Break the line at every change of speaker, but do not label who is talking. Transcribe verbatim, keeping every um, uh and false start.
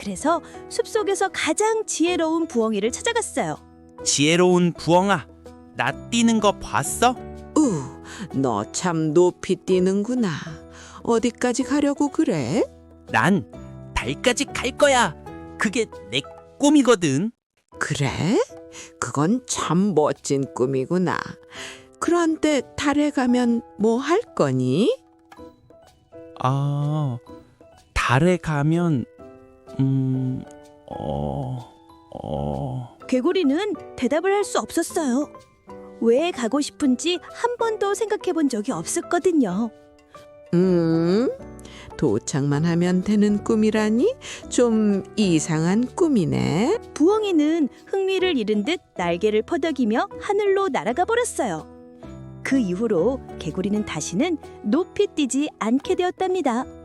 그래서 숲속에서 가장 지혜로운 부엉이를 찾아갔어요.
지혜로운 부엉아, 나 뛰는 거 봤어?
우, 너 참 높이 뛰는구나. 어디까지 가려고 그래?
난 달까지 갈 거야. 그게 내 꿈이거든.
그래? 그건 참 멋진 꿈이구나. 그런데 달에 가면 뭐 할 거니?
아, 달에 가면 음, 어, 어.
개구리는 대답을 할 수 없었어요. 왜 가고 싶은지 한 번도 생각해 본 적이 없었거든요.
음, 도착만 하면 되는 꿈이라니? 좀 이상한 꿈이네.
부엉이는 흥미를 잃은 듯 날개를 퍼덕이며 하늘로 날아가 버렸어요. 그 이후로 개구리는 다시는 높이 뛰지 않게 되었답니다.